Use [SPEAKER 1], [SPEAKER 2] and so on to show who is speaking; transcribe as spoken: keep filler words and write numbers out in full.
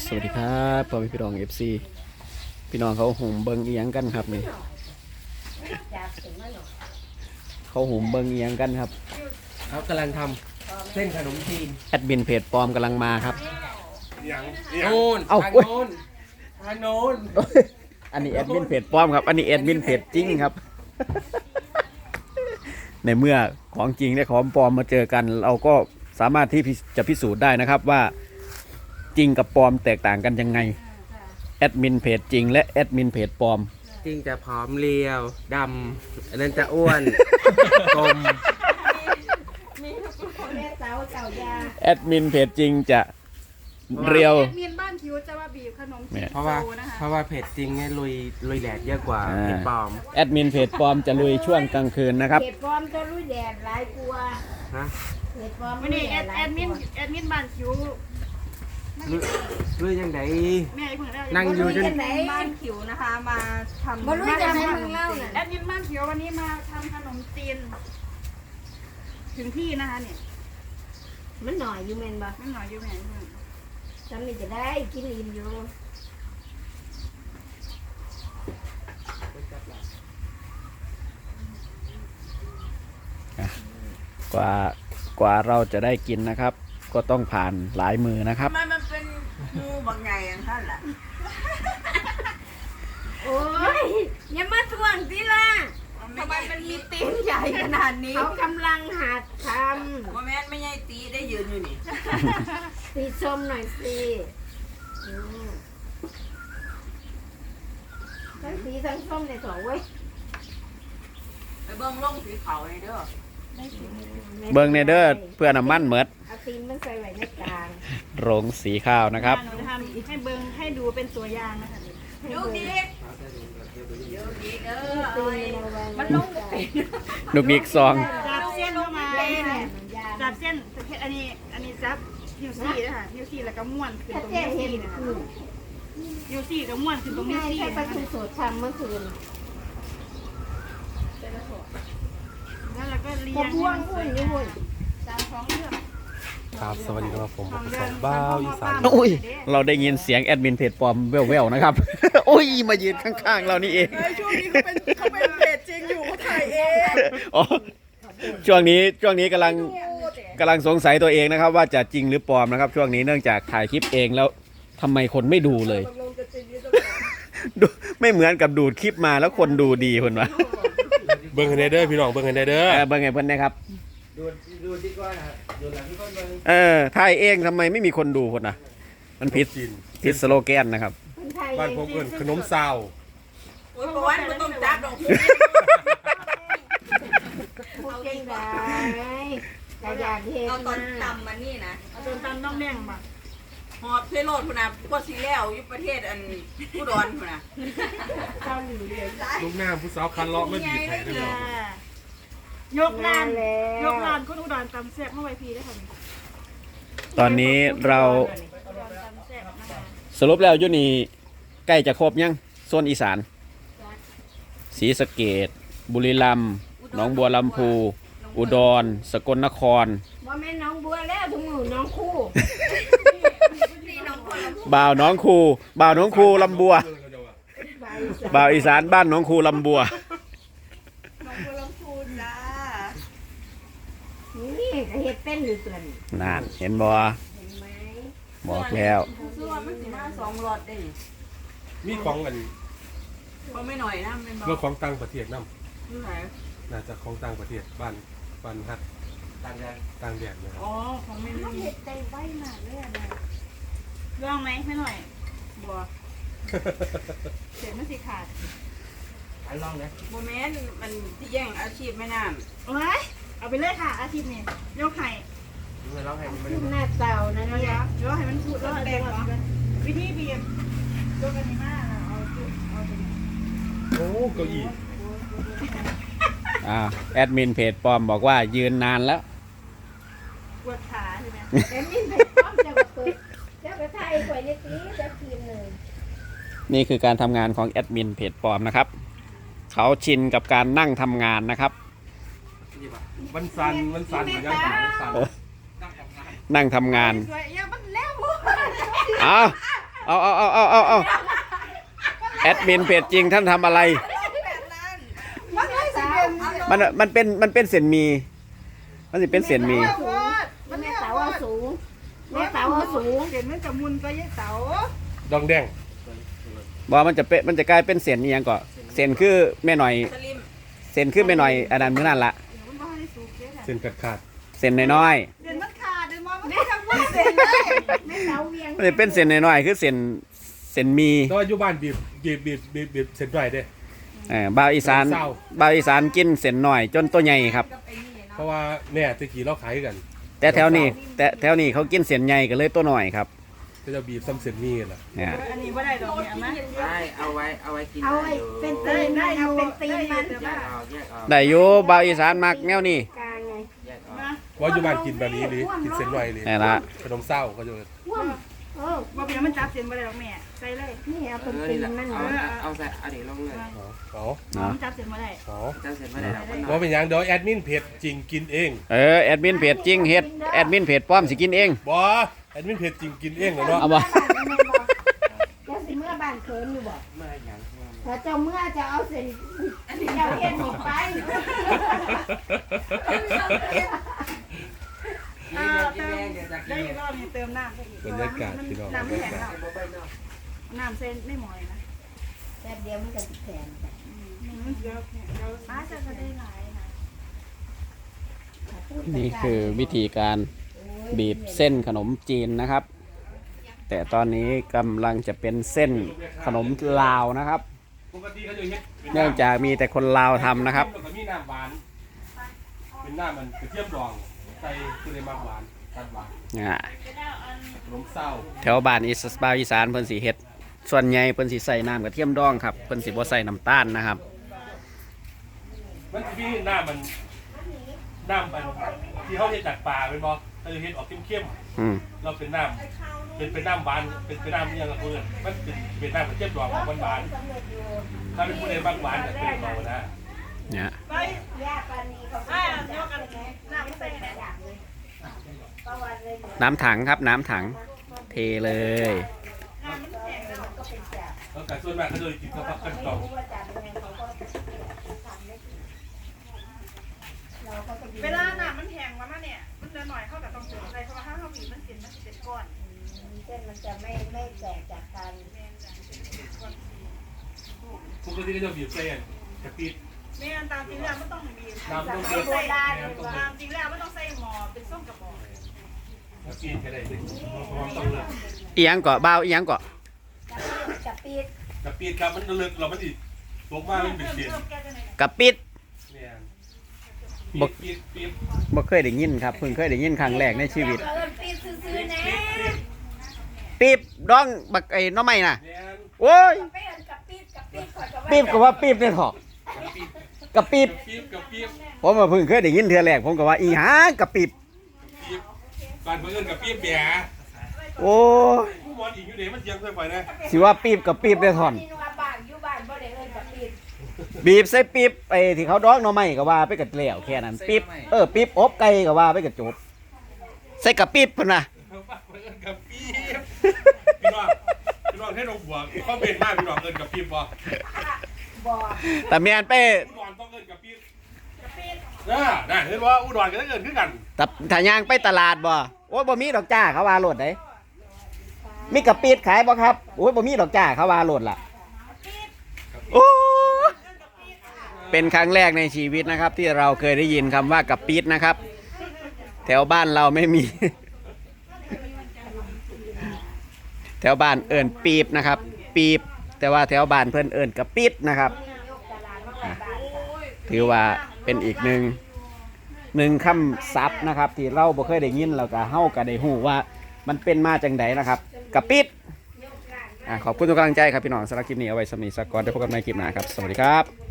[SPEAKER 1] สวัสดีครับพ่อพี่น้องเอฟซีพี่น้องเขาหุ่มเบิงเอียงกันครับนี่เขาหุ่มเบิงเอียงกันครับ
[SPEAKER 2] เขากำลังทำเส้นขนมจีน
[SPEAKER 1] แอดมินเพจปลอมกำลังมาครับ
[SPEAKER 2] โน่น
[SPEAKER 1] เอ้า
[SPEAKER 2] ทางโน้นทางโน้น
[SPEAKER 1] อันนี้แอดมินเพจปลอมครับอันนี้แอดมินเพจจริงครับ ในเมื่อของจริงและของปลอมมาเจอกัน เราก็สามารถที่จะพิสูจน์ได้นะครับว่าจริงกับปลอมแตกต่างกันยังไงแอดมินเพจจริงและแอดมินเพจปลอม
[SPEAKER 2] จริงจะผอมเรียวดำอันนั้นจะอ้วน กลม
[SPEAKER 1] แอดมินเพจจริงจะเรียว
[SPEAKER 3] แอดมินบ้านคิวจะว่าบีบขนมจีน
[SPEAKER 2] เพราะว่า
[SPEAKER 3] โตนะคะ
[SPEAKER 2] เพราะว่าเพจจริงเนี่ยลุยลุยแดดเยอะกว่าเพจปลอม
[SPEAKER 1] แอดมินเพจปลอมจะลุยช่วงกลางคืนนะครับ
[SPEAKER 4] เห็ดปลอมจะลุยแดดหลายกลัว
[SPEAKER 2] ฮะ
[SPEAKER 4] เห็ดปลอม
[SPEAKER 3] วันนี้แอด
[SPEAKER 4] หลาย
[SPEAKER 3] แอดมิน
[SPEAKER 4] กลัว
[SPEAKER 3] แอดมินบ้านคิว
[SPEAKER 2] ลุยลุยยังไง
[SPEAKER 3] แม่ไอ้เพิ่งได้
[SPEAKER 2] นั่งอยู่จน
[SPEAKER 4] ไหน
[SPEAKER 3] บ้านคิวนะคะมาทำ
[SPEAKER 4] บ่รู้จะให้มึงเล่าน่ะ
[SPEAKER 3] แอดมินบ้านคิววันนี้มาทำขนมจีนถึงที่นะคะเนี่ย
[SPEAKER 4] มันหน่อยอยู่แม่นบ่
[SPEAKER 3] ไม่หน่อยอยู่แม่
[SPEAKER 4] จำนี่จะได้กินอิ่มอยู่
[SPEAKER 1] กว่ากว่าเราจะได้กินนะครับ ก็ต้องผ่านหลายมือนะครับ
[SPEAKER 5] ทำไมมันเป็นงูบางใหญ่อย่างนั้นล่ะ
[SPEAKER 4] โอ้ยอย่ามาทวงสิล่ะ
[SPEAKER 5] ทำไมมันมีตีนใหญ่ขนาดนี้
[SPEAKER 4] เขากำลังหัดท
[SPEAKER 5] ว่าแม่นไม่ใช่ตีได้ยืนอยู่นี่
[SPEAKER 4] ำสีส้มหน่อยสิอืมทั้งสีทั้งส้มในสองเว้ย
[SPEAKER 5] ไปเบิ้งลงสีเขาเลยเด้อ
[SPEAKER 1] เบิงเนเดอร์เพื่อน้ำมันเหมิด
[SPEAKER 4] เอาตีนมันใส่ไว้ในกลาง
[SPEAKER 1] โรงสีข้าวนะครับ
[SPEAKER 3] หนูจะทำให้เบิ้งให้ดูเป็นตัวอย่างนะคะ
[SPEAKER 5] ดูดีดูดีเด้อ
[SPEAKER 4] ตี
[SPEAKER 5] เอ้ย
[SPEAKER 4] นเอาไว้
[SPEAKER 5] มันลงไป
[SPEAKER 1] ลูกนิกซอง
[SPEAKER 3] จับเส้นเข้ามา
[SPEAKER 4] เป็น
[SPEAKER 3] จับเส้นอันนี้อันนี้จับฮิวซี่นะคะฮิวซี่แล้วก็ม้วนขึ้น
[SPEAKER 4] ถ้า
[SPEAKER 3] ตรง
[SPEAKER 4] เจ๊
[SPEAKER 3] ฮิว
[SPEAKER 4] เห็
[SPEAKER 3] ซี่
[SPEAKER 4] น
[SPEAKER 3] นะคะ
[SPEAKER 4] คือ
[SPEAKER 3] ฮิวซี่ก็ม้วนขึ้นตรงฮิ
[SPEAKER 4] ไม่
[SPEAKER 3] วซี่
[SPEAKER 4] ใช่
[SPEAKER 3] นะ
[SPEAKER 4] ปลา
[SPEAKER 3] คะ
[SPEAKER 4] ทูสดทำเมื่อคืน
[SPEAKER 3] แล้วเราก็เรีย
[SPEAKER 4] ผม
[SPEAKER 3] ง
[SPEAKER 4] พ่วงหุ่นนี่หุ่น
[SPEAKER 3] ตามท้องเรื่อง
[SPEAKER 6] ครับสวัสดีครับผมผมสองบ้าวอีสาน
[SPEAKER 1] อุ้ยเราได้ยินเสียงแอดมินเพจปลอมแว่วๆนะครับ อุ้ยมายืนข้างๆเรานี่เอง
[SPEAKER 5] ช่วงนี้เขาเป็นเขาเป็นเพจจริงอยู่เขาถ่ายเอง
[SPEAKER 1] อ๋อช่วงนี้ช่วงนี้กำลังกำลังสงสัยตัวเองนะครับ ว่าจะจริงหรือปลอมนะครับ ช่วงนี้เนื่องจากถ่ายคลิปเองแล้วทำไมคนไม่ดูเลย ดูไม่เหมือนกับดูดคลิปมาแล้วคนดูดีคนวะ
[SPEAKER 6] เบิ้งกันได้เด้อพี่น้องเบิ้งกันได้เด้อ
[SPEAKER 1] เออเบิ่งไงเพิ่นนะครับ
[SPEAKER 2] ดูดูดีกว่านะดูหลังที่คนเบิ้ง
[SPEAKER 1] เออถ่ายเองทำไมไม่มีคนดูคนนะมันผิด
[SPEAKER 6] จีน
[SPEAKER 1] ผิดสโลแกนนะครับ
[SPEAKER 4] คนไทย
[SPEAKER 6] บ้านผมเอิ้นขนมซาว
[SPEAKER 5] โอ้ยประวันมันต้องจับลงพื้น
[SPEAKER 4] พูดเก่งได้กระยาเท
[SPEAKER 5] เอาตอน
[SPEAKER 4] มา
[SPEAKER 5] ตำมานี่นะ
[SPEAKER 3] จนตามต้องแม่งมา
[SPEAKER 5] หอบเทโรดพุ่นนะพวกซีแล้วอยู่ประเทศอันอุดรพุ่นนะ
[SPEAKER 4] เกาหลีเลย
[SPEAKER 6] ลูกน้ำผู้สาวคันเลาะไม่บีบให้ได้หรอก
[SPEAKER 3] ยกลานยกลานคนอุดรตำแซ่บเข้าไปพีได้ค่ะ
[SPEAKER 1] ตอนนี้เรา
[SPEAKER 3] อุดรตำแซ่บนะคะ
[SPEAKER 1] สรุปแล้วอยุนี่ใกล้จะครบยังโซนอีสานศรีสะเกษบุรีรัมย์หนองบัวลำพูอุดรสกลนคร
[SPEAKER 4] ว่าแม่น้องบัวแล้วทุกหมู่น้องคู่
[SPEAKER 1] บ่าวหน้องคูบ่าวหน้องคูลำบัวบ่าวอีสานบ้านหน้องคูลำบัว
[SPEAKER 5] น้องบัวลำพูนจ้า
[SPEAKER 4] นี่ก็เห็ดเป็นหรือส่วน
[SPEAKER 1] นานเห็นบ่
[SPEAKER 4] เห็นไหม
[SPEAKER 1] บอกแล้ว
[SPEAKER 5] ซื้อว่ามันสิมาสองหลอดได้นี่
[SPEAKER 6] มีของกัน
[SPEAKER 5] เขาไม่หน่อยนะเป็นบอ
[SPEAKER 6] เรื่องของต่างประเทศนํ
[SPEAKER 5] ที่ไหน
[SPEAKER 6] น่าจะของต่างประเทศบ้านบ้านฮัก
[SPEAKER 2] ต่างแดน
[SPEAKER 6] ต่างแดนนะครับ
[SPEAKER 5] อ๋อของไม่
[SPEAKER 4] น้อง
[SPEAKER 5] มี
[SPEAKER 4] เห็ดใจไว้มากเลยอะนะ
[SPEAKER 3] ลองไหมไม่หน่อยบัวเสร็จมันสิขาด
[SPEAKER 2] อันลองนะ
[SPEAKER 5] โมเมนต์มันที่แย่งอาชีพแม่น้
[SPEAKER 3] โอ้ยเอาไปเลยค่ะอาทิตย์นี้ยกไข่
[SPEAKER 2] ดูให้ร้องให้มันไม่
[SPEAKER 4] ขึ้น
[SPEAKER 2] ได้
[SPEAKER 4] หน้าเตานะ
[SPEAKER 3] เดี๋ยว
[SPEAKER 4] เนี่ย
[SPEAKER 3] เดี๋ยวให้มันพูดแล้วแดงก่อนวิธีบีบยกกันนี้มากเอาเอาตัวนี้
[SPEAKER 6] โอ้เก้าอี้
[SPEAKER 1] อ่าแอดมินเพจปลอมบอกว่ายืนนานแล้ว
[SPEAKER 3] ปวดขาใช่ไหม
[SPEAKER 4] แต่นี่เผ็ดพร้อมจะมาเปิดจะไปไทยกว่าในตีจะกินเลย
[SPEAKER 1] นี่คือการทำงานของแอดมินเพจปลอมนะครับเขาชินกับการนั่งทำงานนะครับ
[SPEAKER 6] มันสั่นมันสั่นเหมือนกันมันสั่น
[SPEAKER 1] นั่งทำงาน
[SPEAKER 3] สวยอย่ามันแล้วบัว
[SPEAKER 1] เอาเอาเอาเอาเอาเอาเอาแอดมินเพจจริงท่านทำอะไร
[SPEAKER 3] มันไม่สิเป็น
[SPEAKER 1] มันมันเป็นมันเป็นเส้นหมี มันจะเป็นเส้นหมี
[SPEAKER 3] มัน
[SPEAKER 4] แม่
[SPEAKER 3] เนี่ย
[SPEAKER 4] เต๋าเอาสูงแม่เต๋าเอาสูง
[SPEAKER 3] เห็นมันจะมุนไปยัยเต๋า
[SPEAKER 6] ดองแดง
[SPEAKER 1] บอกมันจะเป็นมันจะกลายเป็นเส้นนี่ยังก่อนเส้นคือแม่หน่อย
[SPEAKER 5] สลิม
[SPEAKER 1] เส้นคือแม่หน่อยอันนั้นมื้อนั่นละ
[SPEAKER 3] มันไม่ให้สูงเยอะ
[SPEAKER 6] เส้นขาดขาด
[SPEAKER 1] เส้นน้อย
[SPEAKER 3] เดี๋ยวมันขาดเดี๋ยวมันไม่ทำว่าเสร็จเลย
[SPEAKER 4] แม่เต๋าเวียง
[SPEAKER 1] ๆมันจะเป็นเส้นน้อยๆคือเส้นเส้นหมี
[SPEAKER 6] แต่ว่าอยู่บ้านบีบบีบบีบบีบบีบเส้นไรเด้
[SPEAKER 1] เออบ่าวอีสาน
[SPEAKER 6] เศร้า
[SPEAKER 1] บ่าวอีสานกินเส้นน้อยจนตัวใหญ่ครับ
[SPEAKER 6] เพราะว่าแม่ตะกี้เราขายกัน
[SPEAKER 1] แต่แถวนี้แต่แถวนี้เขากินเส้นใหญ่ก็เลยตัวน้อยครับ
[SPEAKER 6] ก็จะบีบซ้ำเส้นมีล่ะ
[SPEAKER 1] เนี่ย
[SPEAKER 3] อันนี้ไม่ได้ดอกเนี่ยนะ
[SPEAKER 2] ได้เอาไว้เอาไว้กิน
[SPEAKER 4] เอาไอ้เป็นตีนมันเอาเป็นตีนมัน
[SPEAKER 2] แยกออกแยกออก
[SPEAKER 1] ได้อยู่บ่าวอีสานมักแนวนี้
[SPEAKER 4] กลางไง
[SPEAKER 2] แยกออก
[SPEAKER 6] ว่าอยู่บ้านกินแบบนี้หรือกินเส้นไรหรือ
[SPEAKER 1] นี่ละ
[SPEAKER 6] ขนมเศร้าก็จะ
[SPEAKER 4] ว่วมเออ
[SPEAKER 3] ว่าเป็นมันจับเสียนไปเลยดอกแม่ใส่เลย
[SPEAKER 4] นี่เอา
[SPEAKER 2] เอ
[SPEAKER 4] เป็น
[SPEAKER 2] อ
[SPEAKER 4] ตี
[SPEAKER 2] นี่
[SPEAKER 4] น
[SPEAKER 2] แหละ
[SPEAKER 4] มัน
[SPEAKER 2] เอา
[SPEAKER 4] เนาะ
[SPEAKER 2] เอาใส่เอาเดี๋ยวลงเลย
[SPEAKER 6] เอา
[SPEAKER 1] เนาะ
[SPEAKER 3] มันจับเสียนมาได้
[SPEAKER 6] เอา
[SPEAKER 2] เจ้าเสร็จเมื่อไหร่เราก็นอ
[SPEAKER 6] ว่าน เป็นหยังเดี๋ยวแอดมินเพจจริงกินเอง
[SPEAKER 1] เออแอดมินเพจจริงเฮ็ดแอดมินเพจป้อมสิกินเอง
[SPEAKER 6] บอแอดมินเพจจริงกินเองเลยเนาะ
[SPEAKER 1] เอาบ่
[SPEAKER 4] เจ้าสิเมื่อบ้านเขินอยู่บ่
[SPEAKER 2] เมื่ออย่าง
[SPEAKER 4] ถ้าเจ้าเมื่อจะเอาเส้นเจ้าเฮ็ดหนีไป
[SPEAKER 3] อ่าเติมได้อีกรอบนี้เติมน้ำไปอีก
[SPEAKER 6] บรรยากาศพี่น้อง
[SPEAKER 3] น้ำ
[SPEAKER 6] บร
[SPEAKER 3] ไม่
[SPEAKER 6] ร
[SPEAKER 3] แข็
[SPEAKER 6] ยาง กาศ
[SPEAKER 3] แล้วน้ำเส้นไม่หมอยนะ
[SPEAKER 4] แป๊บเดียวมันก็สิแข็ง
[SPEAKER 3] มันเยอะเดี๋ยวป้าจะก็ได้หลายนะ
[SPEAKER 1] นี่คือวิธีการบีบเส้นขนมจีนนะครับ แต่ตอนนี้กำลังจะเป็นเส้นขนมลาวนะครับ
[SPEAKER 6] ปกติเขาจะเฮ็ด
[SPEAKER 1] เนื่องจากมีแต่คนลาวทำนะครับ
[SPEAKER 6] แล้วก็มีน้ำหวาน เป็นน้ำมันกระเทียมดองใส่คือในมากหวานตัดหวาน
[SPEAKER 1] อ่า
[SPEAKER 6] ขนมเศร้า
[SPEAKER 1] แถวบ้านอีสบาวอีสานเพิ่นสิเฮ็ดส่วนใหญ่เพิ่นสิใส่น้ำกระเทียมดองครับเพิ่นสิบ่ใส่น้ำตาลนะครับ
[SPEAKER 6] มันจะมีน้ำมันน้ำมันที่เขาเฮ็ดจากปลาเป็นบ่เขาจะเฮ็ดออกเข้ม
[SPEAKER 1] อืม
[SPEAKER 6] ๆเราเป็นน้ำเป็นเป็นน้ำหวานเป็นเป็นน้ำเนี่ยละเพื่อนมันเป็นเป็นน้ำกระเทียมดองของหวานๆถ้าเป็นผู้ใดบางหวานก็เป็นเขานะ
[SPEAKER 1] เนี่ย
[SPEAKER 3] ไป
[SPEAKER 4] ยาปานนี้เขา
[SPEAKER 3] อ่าเดี๋ยวกันน้ำไม่ใส่ไหน
[SPEAKER 4] อยากเลยประวัติเลย
[SPEAKER 1] น้ำถังครับน้ำถังเทเลย
[SPEAKER 3] น้ำมันแข็งแล้ว
[SPEAKER 4] ก็เป็นจาก
[SPEAKER 6] แล้วแต่ส่วนมากเขาจะกินกับผักกันต่อ
[SPEAKER 4] รู้ว่าจากยังไงเขาก็ทำได้เราก็จะ
[SPEAKER 3] เวลาน้ำมันแห้งมามาเนี่ยมันจะหน่อยเข้ากับต้องเติมอะไรเพราะว่าถ้าเราบีบมันเสียนมันจะเป็นก้อน
[SPEAKER 4] เส้นมันจะไม่ไม่แตกจากกัน
[SPEAKER 6] ปกติก็จะบีบเส้นกะปิ
[SPEAKER 3] แม่ตามจริงแล้วไม่ต้องบีบ
[SPEAKER 6] น้ำต้อง
[SPEAKER 3] ใส่
[SPEAKER 6] เดือด
[SPEAKER 3] ได้ตามจริงแล้วไม่ต้องใส่หม้อเป็นส้มกระบอก
[SPEAKER 6] กะปิแค่ไหนสิเพราะว่าต้องเลือก
[SPEAKER 1] อีหยังเกาะบ้าวอีหยังเกาะ
[SPEAKER 4] กับปีด
[SPEAKER 6] กะปิครับมันเลือกเราไม่ติดตกมามันเป็น
[SPEAKER 3] เพิ่ม
[SPEAKER 6] เศษ
[SPEAKER 3] เพิ่มแก้จะไหน
[SPEAKER 1] กะปิด
[SPEAKER 6] เนี่ยปีบปีบปีบ
[SPEAKER 1] บ่เคยได้ยินครับเพิ่งเคยได้ยินครั้งแรกในชีวิต
[SPEAKER 4] เอินปีดซื้อๆนะ
[SPEAKER 1] ปีบดองบักไอ้หน้อไม้น่ะ
[SPEAKER 6] เนี่ย
[SPEAKER 1] โอ้ย
[SPEAKER 4] ไม่เอินกับปีดกับปีดก่อนกับ
[SPEAKER 1] ปีบก็ว่าปีบเนี่ยเถอะกะปิบ
[SPEAKER 6] ปีบกับปีบ
[SPEAKER 1] ผมมาเพิ่งเคยได้ยินเทื่อแรกผมก็ว่าอีหยังกะปิบ
[SPEAKER 6] ปีบบ้านเพื่อนกับปีบเบีย
[SPEAKER 1] โอ้ย
[SPEAKER 6] ผู้บอลอีกอยู่ไหนมันเสียงค่อยไปนะ
[SPEAKER 1] สิว่าปีบกับปีบได้ท่อน
[SPEAKER 4] ที่นัวบ้านอยู่บ้านบ่ได้เอินกับปีด
[SPEAKER 1] บีบใส่ปีบไอ้ที่เขาดองหน่อไม้ก็ว่าไปกับแล้วแค่นั้นปีบเออปีบอบไก่ก็ว่าไปกับจบใส่กะปิบพุ่นน่ะ
[SPEAKER 6] บ้านเพื่อนกับปีบพี่น้องพี่น้องให้ลงหัวเขาเป็นมากพี่น้องเอินกับปีบบ่
[SPEAKER 4] บ่
[SPEAKER 1] แต่แม่นไป
[SPEAKER 6] อุดรต้องเอินกับปีบน่าน่าเห็นว่าอุดรก็ต้องเอินขึ้นกัน
[SPEAKER 1] แต่ถ้าย่างไปตลาดบ่โอ้ยบ่มีดอกจ้าเขาว่าโลดได้มีกะปิดขายบ่ครับโอ้ยบ่มีดอกจ้าเขาว่าโลดล่ะโอ้ยเป็นครั้งแรกในชีวิตนะครับ ที่เราเคยได้ยินคำว่ากะปิดนะครับ แถวบ้านเราไม่มี แถวบ้านเอิญปีบนะครับ ปีบแต่ว่าแถวบ้านเพื่อนเอิญกะปิดนะครับอ่ะถือว่าเป็นอีกหนึ่งหนึ่งคำศัพท์นะครับ ที่เราบ่เคยได้ยินแล้วก็เฮาก็ได้ฮู้ว่ามันเป็นมาจังไดนะครับกะปิดอ่ะขอบคุณทุกกำลังใจครับพี่น้องสำหรับคลิปนี้เอาไว้สำหรับนิสกรได้พบกันในคลิปหน้าครับสวัสดีครับ